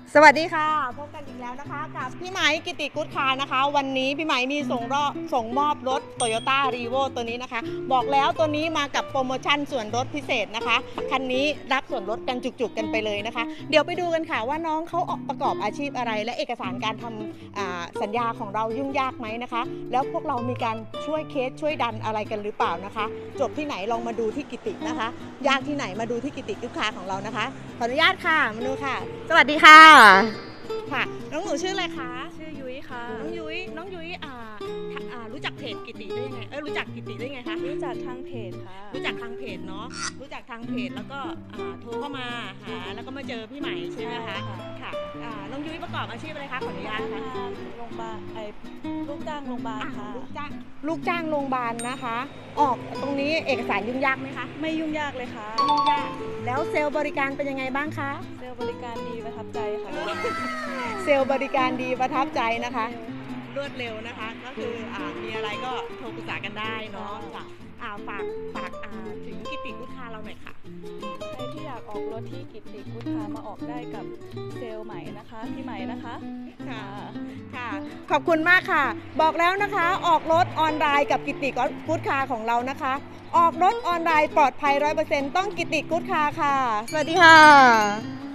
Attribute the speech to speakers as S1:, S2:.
S1: สวัสดีค่ะพบกันอีกแล้วนะคะกับพี่ไหมกิติกุศคาร์นะคะ วันนี้พี่ไหมมีส่งมอบรถ Toyota Revo ตัวนี้นะคะบอกแล้วตัวนี้มากับโปรโมชั่นส่วนลดพิเศษนะคะคันนี้รับส่วนลดกันจุกๆกันไปเลยนะคะเดี๋ยวไปดูกันค่ะว่าน้องเขาประกอบอาชีพอะไรและเอกสารการทำสัญญาของเรายุ่งยากไหมนะคะแล้วพวกเรามีการช่วยเคสช่วยดันอะไรกันหรือเปล่านะคะจบที่ไหนลองมาดูที่กิตินะคะยากที่ไหนมาดูที่กิติกุศคาร์ของเรานะคะขออนุญาตค่ะมาดูค่ะสวัสดีค่ะค่ะน้องหนูชื่ออะไรคะ
S2: ชื่อยุ้ยค่ะ
S1: น้องยุ้ยรู้จักเพจกิติได้ยังไงรู้จักกิติได้ยังไงคะ
S2: รู้จักทางเพจค่ะ
S1: รู้จักทางเพจเนาะรู้จักทางเพจแล้วก็โทรเข้ามาหาแล้วก็มาเจอพี่ใหม่ใช่ไหมคะค่ะน้องยุ้ยประกอบอาชีพอะไรคะขออนุญาตค่ะ
S2: โรงพยาบาลลูกจ้างโรงพยาบาลค่ะ
S1: ลูกจ้างโรงพยาบาลนะคะออกตรงนี้เอกสารยุ่งยากไหมคะ
S2: ไม่ยุ่งยากเลยค่ะ
S1: ไม่ยุ่งยากแล้วเซลล์บริการเป็นยังไงบ้างคะ
S2: เซลล์บริการดีประทับใจค่ะ
S1: เซลล์บริการดีประทับใจนะคะรวดเร็วนะคะก็คือมีอะไรก็โทรปรึกษากันได้เนาะฝากถึงกิติกุศคาร์เราหน่อยค่ะ
S2: ใครที่อยากออกรถที่กิติกุศคาร์มาออกได้กับเซลล์ใหม่นะคะพี่ใหม่นะคะ
S1: ค่ะขอบคุณมากค่ะบอกแล้วนะคะออกรถออนไลน์กับกิติกุศคาร์ของเรานะคะออกรถออนไลน์ปลอดภัย 100% ต้องกิติกุศคาร์ค่ะสวัสดีค่ะ